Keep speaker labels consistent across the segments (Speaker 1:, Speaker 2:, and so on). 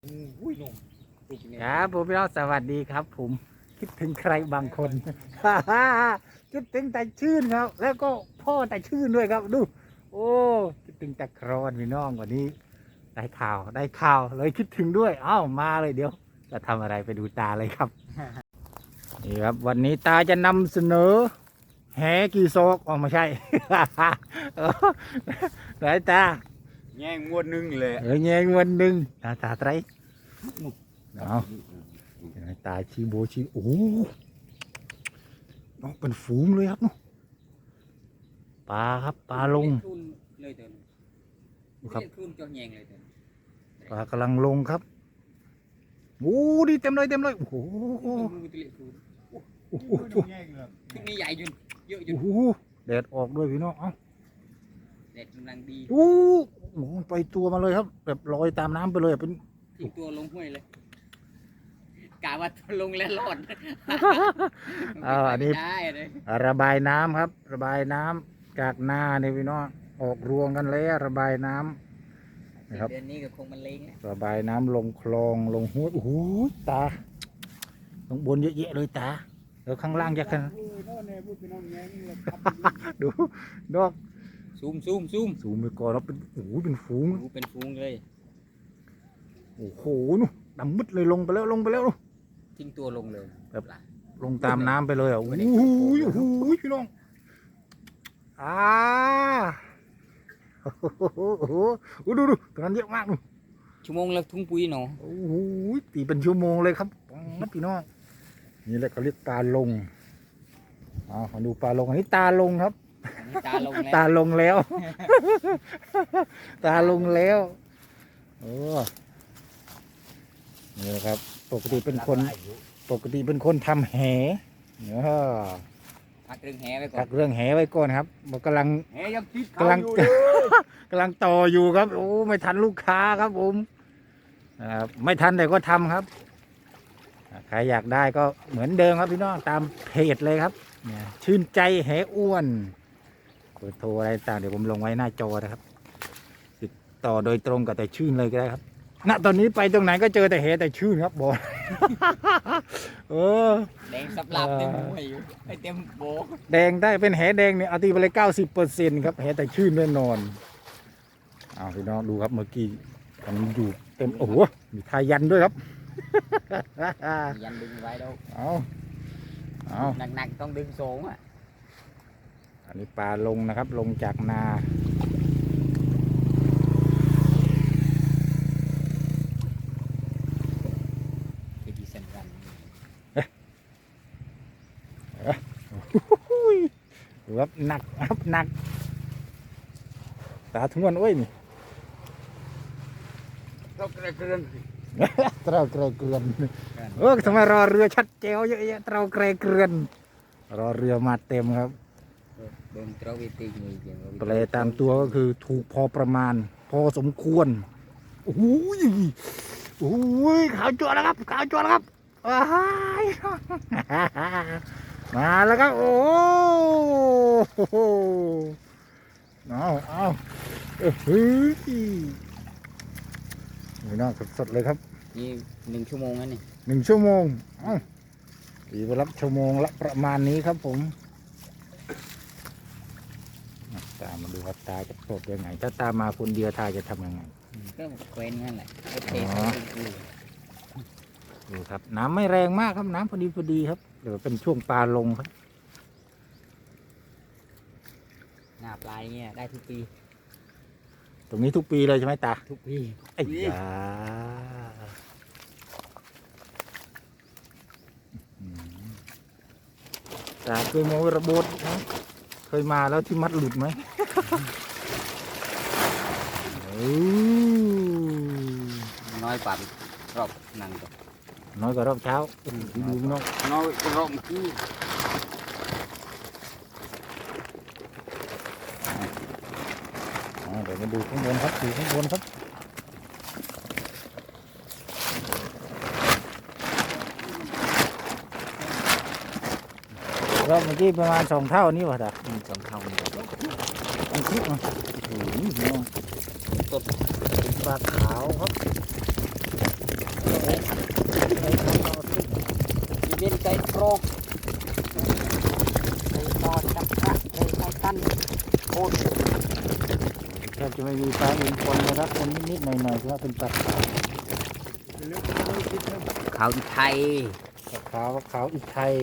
Speaker 1: ครับผมพี่น้องสวัสดีครับผมคิดถึงใครบางคน คิดถึงแต่ชื่นครับ แล้วก็พ่อแต่ชื่นด้วยครับดูโอ้คิดถึงแต่ครอนพี่น้องวันนี้ได้ข่าวเลยคิดถึงด้วยเอ้ามาเลยเดี๋ยวจะทำอะไรไปดูตาเลยครับ นี่ครับวันนี้ตาจะนำเสนอแหกี่โซกอ๋อไม่ใช่ ไหนตา
Speaker 2: แง่งวดนึงเลย
Speaker 1: แง่วันหนึ่งตาไตรเอาตาชีโบชีโอ้น้องเป็นฝูงเลยครับเนาะปลาครับปลาลงครับปลากำลังลงครับโอ้ดีเต็มเลยโอ้โห
Speaker 3: นี่ใหญ่จนเยอะจน
Speaker 1: โอ้โหแดดออกด้วยพี่น้องเอ้า
Speaker 3: เด็ดกำลังดี
Speaker 1: โอ้โหไปตัวมาเลยครับแบบลอยตามน้ำไปเลยเป็น
Speaker 3: ทิ้งตัวลงห้วยเลยกะว่าลงแล้วรอด
Speaker 1: อันนี้
Speaker 3: ได้เลย
Speaker 1: ระบายน้ำครับ ระบายน้ำจากนาเนี่ยพี่น้องออกรวงกันแล้วระบายน้ำนะครับ
Speaker 3: เดือนนี้ก็คงมันเล้งแล้ว
Speaker 1: ระบายน้ำลงคลองลงห้วยโอ้โหตาข้างบนเยอะแยะเลยตาแล้วข้างล่างจะขนาด ดูดอก
Speaker 3: ซูม
Speaker 1: สูงไปก่อนแล้วเป็นโอ้โหเป็นฝูง
Speaker 3: ดูเป็นฟูงเลย
Speaker 1: โอ้โหนู่นดำมืดเลยลงไปแล้วนู่น
Speaker 3: ทิ้งตัวลงเลย
Speaker 1: แบบลงตามน้ำไปเลยอ่ะโอ้โหพี่น้องโอ้โหดูตรงนั้นเยอะมากนู่น
Speaker 3: ชั่วโมงละทุ่งปุ๋ยหนอ
Speaker 1: โอ้โหตีเป็นชั่วโมงเลยครับพี่น้องนี่แหละเขาเรียกตาลงมาดูปลาลงอันนี้ตาลงครับ
Speaker 3: ตาลงแล้ว
Speaker 1: ตาลงแล้ว ตาลงแล้วโอ้นี่แหละครับปกติเป็นคนทำแห
Speaker 3: พักเรื่องแหไว้ก่อ
Speaker 1: พั
Speaker 3: น
Speaker 1: กเรื่องแหไว้ก่อนครับมันกำลัง
Speaker 2: แหยังติด
Speaker 1: กำลัง กำลังต่ออยู่ครับโอ้ไม่ทันลูกค้าครับผมไม่ทันแต่ก็ทำครับใครอยากได้ก็เหมือนเดิมครับพี่น้องตามเพจเลยครับเนี่ยชื่นใจแหอ้วนเบอร์โทรอะไรต่างเดี๋ยวผมลงไว้หน้าจอนะครับติดต่อโดยตรงกับแต่ชื่นเลยก็ได้ครับณตอนนี้ไปตรงไหนก็เจอแต่แหแต่ชื่นครับบอก
Speaker 3: แดงสับหลับเต็มหัวอยู่ไอเต็มโบ
Speaker 1: แดงได้เป็นแหแดงเนี่ยเอาตีไปเลย90%ครับแหแต่ชื่นแน่นอนพี่น้องดูครับเมื่อกี้มันอยู่เต็มโอ้โหมีทายันด้วยครับ
Speaker 3: ยันดึงไว้แล้ว
Speaker 1: เอา
Speaker 3: หนักๆต้องดึงโซ่อ่ะ
Speaker 1: อันนี้ปลาลงนะครับลงจากนา
Speaker 3: ที่สำคัญ
Speaker 1: ดูครับหนักครับหนักตาทุ่งวันโอ้ยนี่
Speaker 2: เรากระเกรือน
Speaker 1: เตราเกรเกลือนทำไมรอเรือชัดเจ๋วเยอะแยะเตราเกรเกลือนรอเรือมาเต็มครับ
Speaker 3: โดนตรวิตีมีเดียว
Speaker 1: แปลตามตัวก็คือถูกพอประมาณ พอสมควรโอ้ยขาวจั่วแล้วครับว้ายมาแล้วครับโอ้โหเอาเฮ้ยนี่น่าสดๆเลยครับ
Speaker 3: นี่1 ชั่วโมงแล้วนี่
Speaker 1: 1 ชั่วโมงตีไปรับชั่วโมงละประมาณนี้ครับผมตามมาดูครับตาจะสดยังไงถ้าตามมาคนเดียวตาจะทำยังไง
Speaker 3: ก็เคว้นนั่นแหละเท
Speaker 1: ดูครับน้ำไม่แรงมากครับน้ำพอดีครับเดี๋ยวเป็นช่วงปลาลงครับ
Speaker 3: หน้าปลายเนี่ยได้ทุกปี
Speaker 1: ตรงนี้ทุกปีเลยใช่ไหมตา
Speaker 3: ทุกปี
Speaker 1: ไอ้ยาตาเคยมองระบบนะเคยมาแล้วที่มัดหลุดไหม
Speaker 3: น้อยกว่ารอบนั่นก็
Speaker 1: น้อยกว่ารอบเช้าดูน้อง
Speaker 2: น้อยกระรอกคือ
Speaker 1: เดี๋ยวมาดูข้างบนครับดูข้างบนครับรอบเมื่อกี้ประมาณ2 เท่านี้วะตา
Speaker 3: 2 เท่านี่
Speaker 1: อันคลิปมาโอ้โหน้อง
Speaker 3: สด
Speaker 1: เป็นปลาขาวครับ
Speaker 3: รกเลยตอจับพระเลยไม่ตันโคตร
Speaker 1: แทบจะไม่มีปลาอื่นปนเลยครับคนนิดๆหน่อยๆเพราะว่าเป็นปลาขาว
Speaker 3: เขาไทย
Speaker 1: ขาวขาวอีกไทย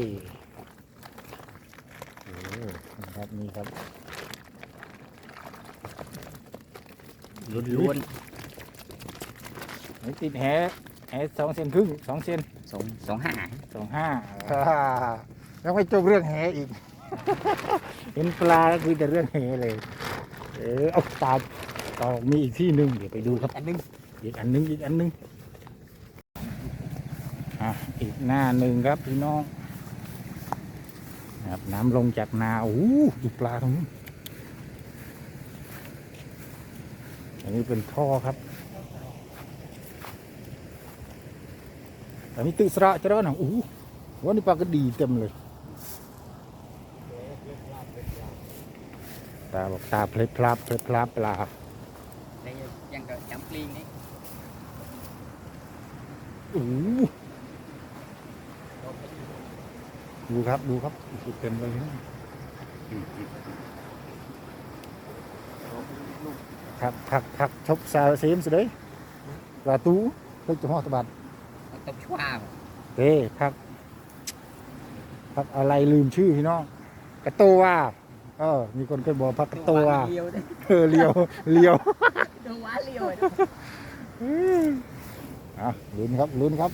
Speaker 1: โอ้ครับนี่ครับ
Speaker 3: ล้วน
Speaker 1: นี่ติดแห2 เซนครึ่ง2 เซน
Speaker 3: ๆ25
Speaker 1: 2.5แล้วไม่จบเรื่องแหอีก เห็นปลาก็คือแต่เรื่องแหเลยเอาตาต่อมีอีกที่หนึ่งเดี๋ยวไปดูครับ
Speaker 3: อันนึง
Speaker 1: อีกอันหนึงอีกหน้าหนึ่งครับพี่น้องครับน้ำลงจากนาโอ้โหดูปลาตรงนี้นอันนี้เป็นท่อครับอันนี้ตึกสระจะร้อนโอ้โหวันนี้ปลากระดีเต็มเลยตาบอกตาเพลพลาปลา
Speaker 3: đâyยังก็จำปลีนี่
Speaker 1: โอ้โหดูครับเต็มเลยครับชกสาวเสียมสุดเลยปลาตูเพิ่งจะห่อตะบัด
Speaker 3: ตบชวา
Speaker 1: เด้พักอะไรลืมชื่อพี่น้องกระโตว่ามีคนเคยบอกพักกระโตว่า
Speaker 3: เลียวได้
Speaker 1: เลียว
Speaker 3: ตัวว้าเลียว
Speaker 1: ลุ้นครับ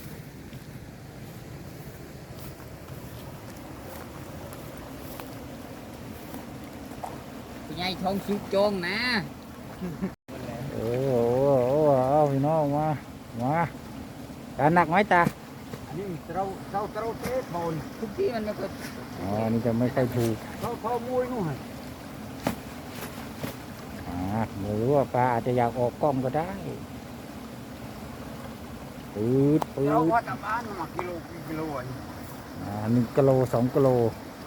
Speaker 3: คุณยายทองสุกโจงนะ
Speaker 1: โอ้เอาพี่น้องมาการหนักไหมตา
Speaker 2: นี่เราเทโทน
Speaker 3: ทุกที่มันไม่เคย
Speaker 1: นี่จะไม่ค่อยถูก
Speaker 2: เขามวยนู่น
Speaker 1: ไม่รู้ว่าปลาอาจจะอยากออกกล้องก็ได้ปืด
Speaker 2: เราว่าตะบ้านมากิโล
Speaker 1: 1 กิโล2 กิโล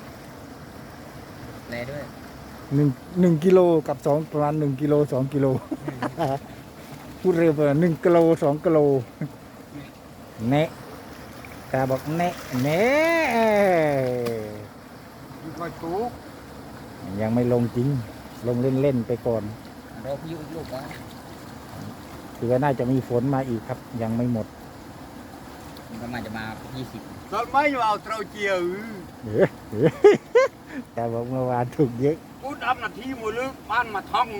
Speaker 3: แลด้วย
Speaker 1: 1 กิโลกับประมาณ1 กิโล2 กิโล พูดเร็วไป1 กิโล2 กิโลเนะตาบอกเนะ
Speaker 2: มีคอยตูก
Speaker 1: ยังไม่ลงจริงลงเล่นไปก่อน
Speaker 3: รอพายุอีกลูกวะ
Speaker 1: คือว่าน่าจะมีฝนมาอีกครับยังไม่หมด
Speaker 3: มันประมาณจะมา20
Speaker 2: ตอนไม่เอาเตาเจียว
Speaker 1: แต่บอกเมื่อวานถูกเยอะ
Speaker 2: กูดำนาทีมือลึกบ้านมาท่อง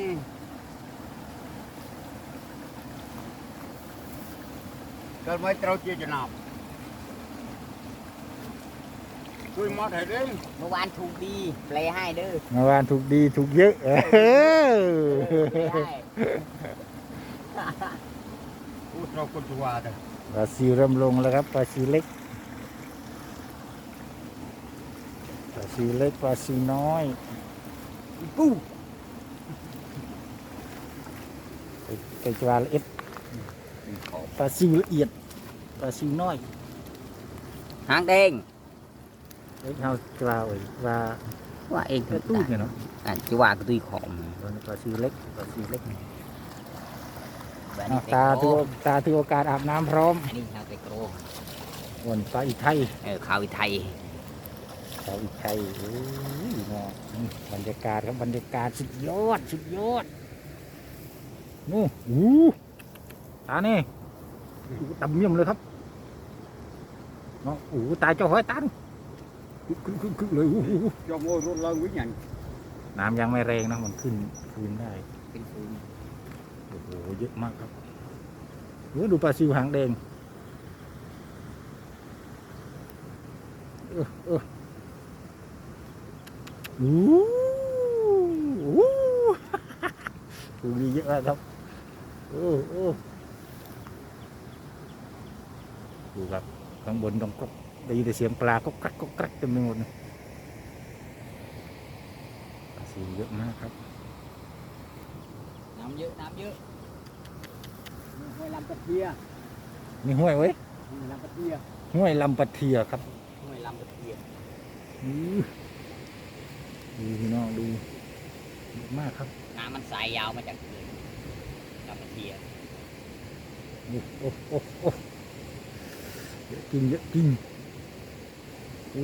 Speaker 2: ตอนไม่เตาเจียวจะหนับช่วยมาถ่ายเด้ง
Speaker 3: เมื่อวานถูกดีแปลให้เด้อ
Speaker 1: เมื่อวานถูกดีถูกเยอะ
Speaker 3: แปลให้
Speaker 2: กูเราคนตัวเด้อ
Speaker 1: ปลาซิวเริ่มลงแล้วครับปลาซิวเล็กปลาซิวน้อย
Speaker 2: ปู
Speaker 1: ไก่จวาละเอ็ดปลาซิวละเอียดปลาซิวน้อย
Speaker 3: หางแดง
Speaker 1: เอ็ดเฮาจวาไว้ว่า
Speaker 3: ว่าเอง
Speaker 1: กระตุ้นเนี่ยเนาะ
Speaker 3: จะว่าก็ตุยของ
Speaker 1: ปลาซิวเล็ก
Speaker 3: แบบนี้
Speaker 1: ตาถือโอกาสอาบน้ำพร้อม
Speaker 3: อันนี้ชาวเตโกร
Speaker 1: วนปลาอีไทย
Speaker 3: ข่าวไทย
Speaker 1: ปลาอีไทยโอ้ยเนาะบรรยากาศครับบรรยากาศสุดยอดนู่ตานี่ตำเยี่ยมเลยครับเนาะตายเจ้าหอยตาดูคึกเลย
Speaker 2: cho ngồi rút lưng với nhận
Speaker 1: น้ำยังไม่แรงนะมันขึ้นได้
Speaker 3: เป็นฟูน
Speaker 1: โอ้โหเยอะมากครับดูปลาซิวหางแดงตัวนี้เยอะมากครับดูครับข้างบนต้องกได้ยินแต่เสียงปลาก็กรักเต็มไปหมดเลยปลาซิวเยอะมากครับ
Speaker 3: น้ำเยอะห้วยลำปะเทีย
Speaker 1: นี่ห้วยเว้ย
Speaker 3: ห้วยลำปะเทีย
Speaker 1: ห้วยลำปะเทียครับ
Speaker 3: ห้วยลำปะเทีย
Speaker 1: ดูพี่น้องดูเยอะมากครับ
Speaker 3: น้ำมันสายยาวมาจากเลยลำปะเทีย
Speaker 1: โอ้เยอะจริงอู้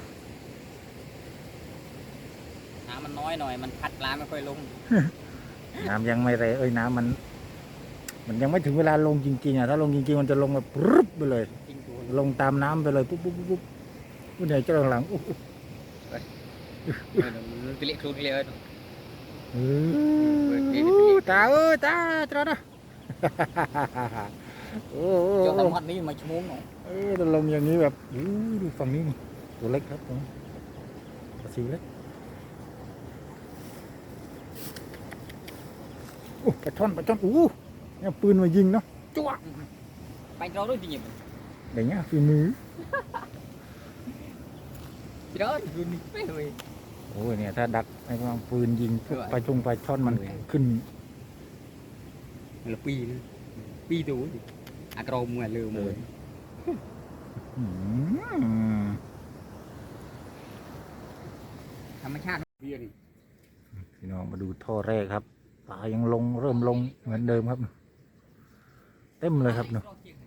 Speaker 3: น้ำมันน้อยหน่อยมันพัดปลาไม่ค่อยลง
Speaker 1: น้ำยังไม่แรงน้ำมันยังไม่ถึงเวลาลงจริงๆอ่ะถ้าลงจริงๆมันจะลงแบบปึ๊บไปเลย
Speaker 3: จริงตัว
Speaker 1: ลงตามน้ำไปเลยปุ๊บปุ๊บปุ๊บปุ๊บผู้ใหญ่เจ้าหลังอู้
Speaker 3: มันไปเลี้ยครูเลี้ย
Speaker 1: ตาตาตรานะโอ้
Speaker 3: เจ้าตำรวจนี่มาชั่วโมงหน่อย
Speaker 1: จะลงอย่างนี้แบบดูฝั่งนี้นี่ตัวเล็กครับผมปลาซิวเล็กปลาช่อนเนี่ยปืนมายิงเนาะจ้วง
Speaker 3: ไปเราด้วยจริง
Speaker 1: อย่างเงี้ยฝีมือ
Speaker 3: ๆที่เราดูนี่ไม่เลย
Speaker 1: โอ้ยเนี่ยถ้าดักไอ้วางปืนยิงพวก
Speaker 3: เออ
Speaker 1: ปลาปลาช่อนมันขึ้น
Speaker 3: là pi nữa pi tú à cầu mùa lừa mùa
Speaker 1: อืม
Speaker 3: ธรรมชาติ
Speaker 2: เพี้ยน
Speaker 1: พี่น้องมาดูท่อแรกครับปลายังเริ่มลงเหมือนเดิมครับเต็มเลยครับเนาะ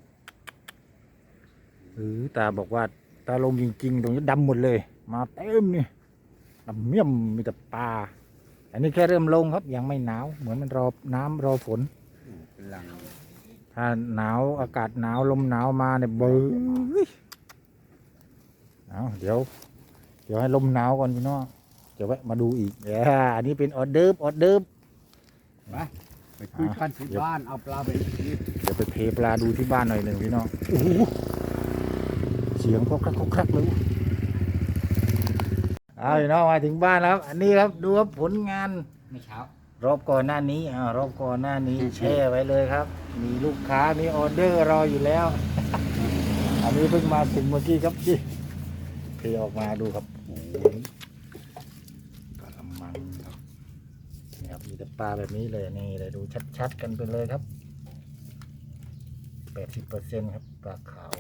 Speaker 1: ตาบอกว่าตาลงจริงๆตรงนี้ดำหมดเลยมาเต็มนี่ดำเมี่ยมมีแต่ปลาอันนี้แค่เริ่มลงครับยังไม่หนาวเหมือนมันรอน้ำรอฝน
Speaker 2: หลัง
Speaker 1: ถ้าหนาวอากาศหนาวลมหนาวมาเนี่ยเบื้อเอาเดี๋ยวให้ลมหนาวก่อนพี่น้องจะแวะมาดูอีกอันนี้เป็นออเดิร์ฟ
Speaker 2: ไปคุยกันที่บ้านเอาปลาไปนี่
Speaker 1: เดี๋ยวไปเพปลาดูที่บ้านหน่อยหนึ่งพี่น้องโอ้โหเสียงครกครักเลยพี่น้องมาถึงบ้านแล้วอันนี้ครับดูครับผลงาน
Speaker 3: ไม่เช้าร
Speaker 1: อบก่อนหน้านี้รอบก่อนหน้านี้แช่ไว้เลยครับ มีลูกค้ามีออเดอร์รออยู่แล้ว อันนี้เพิ่งมาถึงเมื่อกี้ครับที่เทออกมาดูครับโอ้โหกระมังครับนี่ครับมีแต่ปลาแบบนี้เลยนี่เลยดูชัดๆกันไปเลยครับ 80%ครับปลาขาว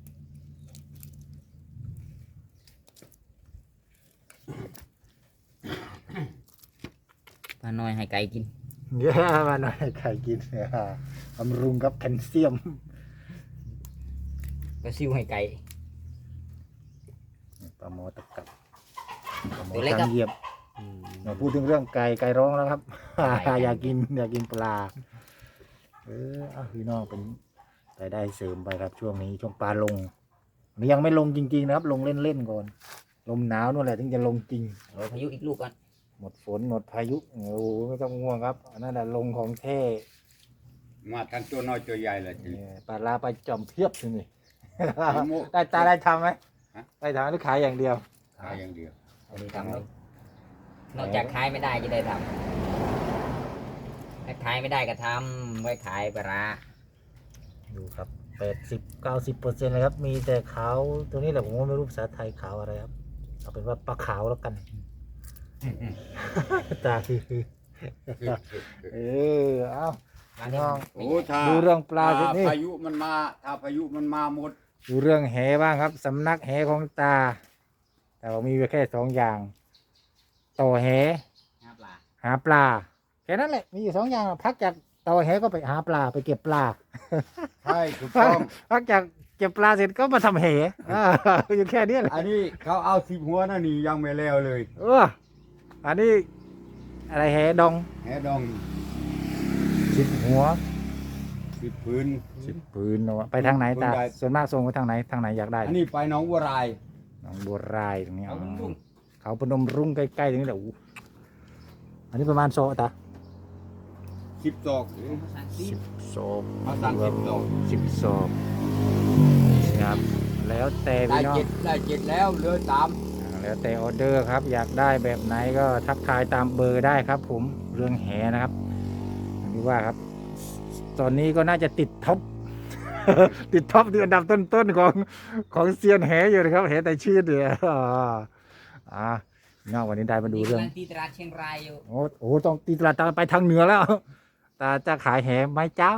Speaker 3: ปลาน้อยให้ไก่กิน
Speaker 1: เยอะมาหน่อยไข่กินบำรุงกับแคลเซียม
Speaker 3: ปลาซิวให้ไก่
Speaker 1: ปลาหมอตะกับปลาหมอ
Speaker 3: ตัวเล็กครั
Speaker 1: จา
Speaker 3: บ
Speaker 1: งเหยียบมาพูดถึงเรื่องไก่ร้องแล้วครับ อยากกินปลาพี่น้องเป็นรายได้เสริมไปครับช่วงนี้ช่วงปลาลงนี่ยังไม่ลงจริงๆนะครับ ลงเล่นๆก่อนลมหนาวนู่นแหละถึงจะลงจริง
Speaker 3: รอพายุอีกลูกก่อน
Speaker 1: หมดฝนหมดพายุโอ้โหไม่ต้องง่วงครับอันนั้นแหละลงของแท้
Speaker 2: มาทั้งตัวน้อยตัวใหญ่เลยที
Speaker 1: ปลาลาปลาจอมเพียบทีนี่
Speaker 2: โม่
Speaker 1: ได้ตาได้ทำไหม
Speaker 2: ฮะ
Speaker 1: ได้ทำหรือขายอย่างเดียว
Speaker 2: ขายอย่างเดียว
Speaker 3: อันนี้ทำนอกจากขายไม่ได้จะได้ทำถ้าขายไม่ได้ก็ทำไว้ขายปลาร้า
Speaker 1: ดูครับ80-90%เลยครับ มีแต่ขาวตัวนี้แหละผมว่าไม่รู้ภาษาไทยขาวอะไรครับเอาเป็นว่าปลาขาวแล้วกัน ตาคือเอา น้อง
Speaker 2: โอ้ถ้า
Speaker 1: ดูเรื่องปลาสินี่
Speaker 2: พายุมันมาถ้าพายุมันมาหมด
Speaker 1: ดูเรื่องแหบ้างครับสำนักแหของตา แต่ว่ามีแค่2 อย่าง ต่อแห
Speaker 3: หาปลา
Speaker 1: หาปลาแค่นั้นแหละมีอยู่2 อย่างพักจากต่อแหก็ไปหาปลาไปเก็บปลา
Speaker 2: ใช่ถูกต้อง
Speaker 1: พักจากเก็บปลาเสร็จก็มาทำแหอยู่แค่นี้แหละ
Speaker 2: อันนี้เขาเอา10 หัวนั่นนี่ยังไม่แล้วเลย
Speaker 1: อันนี้อะไรแหดอง
Speaker 2: แหดอง
Speaker 1: 10 หัว
Speaker 2: 10 พื้น
Speaker 1: 10 ปืนเอาวะไปทางไหนตา
Speaker 2: ปืนใด
Speaker 1: ส่วนมากส่งไปทางไหนอยากได้
Speaker 2: อันนี้ไปหน้องบัวราย
Speaker 1: หนองบัวรายตรงนี้
Speaker 3: เอาลุง
Speaker 1: เขาพนมรุ้งใกล้ๆตรงนี้แหละอู้อันนี้ประมาณโซตา
Speaker 2: 10 ศอก
Speaker 3: ภาษาซีน
Speaker 1: โซ
Speaker 2: เอาสั่ง10 ศอก
Speaker 1: 10 ศอกครับแล้วแต่
Speaker 2: ได้
Speaker 1: พี่น้อง
Speaker 2: 7แล้วเหลือ3
Speaker 1: แล้วแต่ออเดอร์ครับ อยากได้แบบไหนก็ทักทายตามเบอร์ได้ครับ ผมเรื่องแหนะครับอย่างที่ว่าครับ ตอนนี้ก็น่าจะติดท็อป ติดท็อปที่อันดับต้นๆของเซียนแหอยู่นะครับแหแต่ชื่อเดียวนอกวันนี้ได้มาดูเรื่อง
Speaker 3: ตีตลาดเชียงรายอยู่
Speaker 1: โอ้โหต้องตีตลาดตาไปทางเหนือแล้ว ตาจะขายแหไหมเจ้า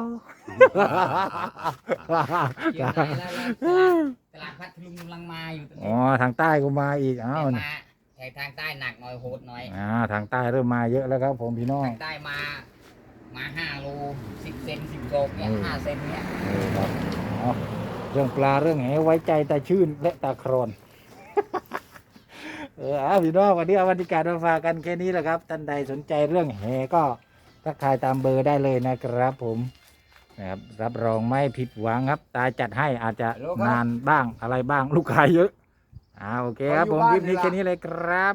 Speaker 3: เชียงรายแล้วตลาดพัทลุงกำลังมาอยู่ตรง
Speaker 1: อ๋อ
Speaker 3: นี้
Speaker 1: ทางใต้ก็มาอีกอ้าว
Speaker 3: แต่มาแต่ทางใต้หนักหน่อยโหดหน่อย
Speaker 1: ทางใต้เริ่มมาเยอะแล้วครับผมพี่น้อง
Speaker 3: ทางใต้มา5 โล 10 เซน 10 โลเนี่ย5 เซนเนี่ย
Speaker 1: ครับเรื่องปลาเรื่องแหไว้ใจตาชื่นและตาครอนเอาพี่น้องวันนี้เอาบรรยากาศมาฝากกันแค่นี้แหละครับท่านใดสนใจเรื่องแห่ก็ทักทายตามเบอร์ได้เลยนะครับผมนะครับรับรองไม่ผิดหวังครับตาจัดให้อาจจะนานบ้างอะไรบ้างลูกค้าเยอะโอเคครับผมคลิปนี้แค่นี้เลยครับ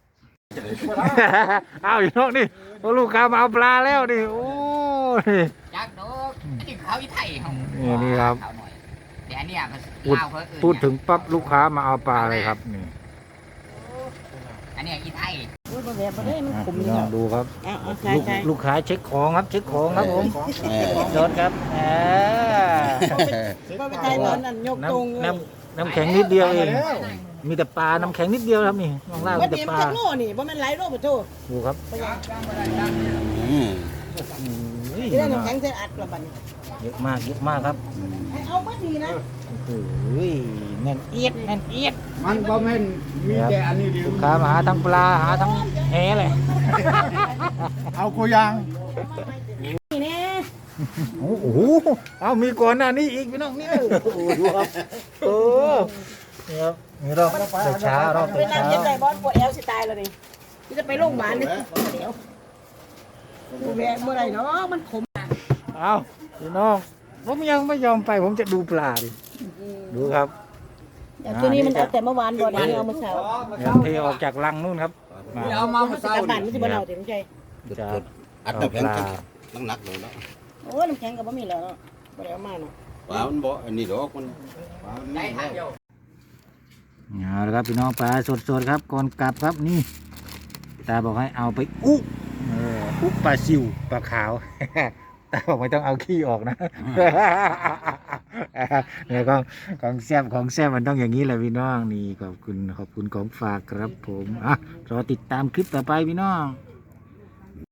Speaker 1: เอาอยู่นอกนี่ลูกค้ามาเอาปลาแล้วนี่โอ้นี่
Speaker 3: จักดอกนี่เขาอีไทยเขา
Speaker 1: นี่ครับ
Speaker 3: เขาหน่อยแต่อันเนี้ยมัน
Speaker 1: พูด
Speaker 3: ลาวเขาเอิ้น
Speaker 1: พูดถึงปั๊บลูกค้ามาเอาปลาเลยครับนี่
Speaker 3: อันเนี้ยอีไทย
Speaker 4: อุ้ยบ่แบบบ่ได้มันขม
Speaker 1: พี่
Speaker 4: นี่
Speaker 1: น้อง
Speaker 4: เนาะ
Speaker 1: ดูครับ
Speaker 4: เอาใช่
Speaker 1: ลูก
Speaker 4: ใช่
Speaker 1: ลูกค้าเช็คของครับเช็คของครับผมจดครับ
Speaker 4: บ่ไปใช่ตอนนั้นยก
Speaker 1: น้
Speaker 4: ตรง
Speaker 1: ำน้ำแข็งนิดเดียวเองมีแต่ปลาน้ำแข็งนิดเดียวครับนี่ข้างล่าง
Speaker 4: ว่า
Speaker 1: มีแต่
Speaker 4: เตรียม
Speaker 1: ปลา
Speaker 4: จักโลนี่บ่แม่นหลายโลบ่โต
Speaker 1: ดูครับ
Speaker 4: ที่ได้น้ำแข็งใส่อัดละบัดนี้
Speaker 1: เยอะมากเยอะมากครับ
Speaker 4: ให้เอามาดีนะ
Speaker 1: โอ้ยแน่นเอียดแน่นเอียด
Speaker 2: มันก็แม่นมีแต่อันนี้เดียว
Speaker 1: ลูกค้ามาหาทั้งปลาหาทั้งแหเลย
Speaker 5: เอาโกยาง
Speaker 4: นี่แน่
Speaker 1: โอ้โหเอามีก่อนหน้านี้อีกพี่น้องนี่โอ้โหดูครับโอ้นี่ครับนี่รอบเช้ารอบ
Speaker 4: ไปนั่ง
Speaker 1: เช้า
Speaker 4: เย็นได้บอสปวดแอวสิตายแล้วนี่จะไปโรงพยาบาลนี่เดี๋ยวบ่แม่บ่ได้เนาะมันขม
Speaker 1: เอาพี่น้องผมยังไม่ยอมไปผมจะดูปลาดิดูครับ
Speaker 4: แต่ตัวนี้มันเอาแต่เมื่อวานบ่ได้เอามาเช้า
Speaker 1: เดี๋ยวเทออกจากรังนู่นครับมา
Speaker 2: เอามา
Speaker 4: มันสิ
Speaker 2: เศร้าก
Speaker 4: ลับบ้านมันสิบ่เอาเต็มใจ
Speaker 1: จะ
Speaker 5: อัด
Speaker 1: เอา
Speaker 5: น้ำ
Speaker 1: ป
Speaker 5: แข็ง
Speaker 1: ลา
Speaker 5: น้ำหนักเลยเนาะ
Speaker 4: โอ้ยน้ำแข็งก็บ่มีแล้วเนาะบ่ได้เอามาเนาะ
Speaker 5: ว่ามันบ่อันนี้ดอกมัน
Speaker 3: ได้ทางเดียว
Speaker 1: เอาละครับพี่น้องปลาสดๆครับก่อนกลับครับนี่ตาบอกให้เอาไปอุ๊อุ๊ปลาซิวปลาขาว ตาบอกไม่ต้องเอาขี้ออกนะ เนี่ยของแซ่บมันต้องอย่างนี้แหละพี่น้องนี่ขอบคุณของฝากครับผมรอติดตามคลิปต่อไปพี่น้อง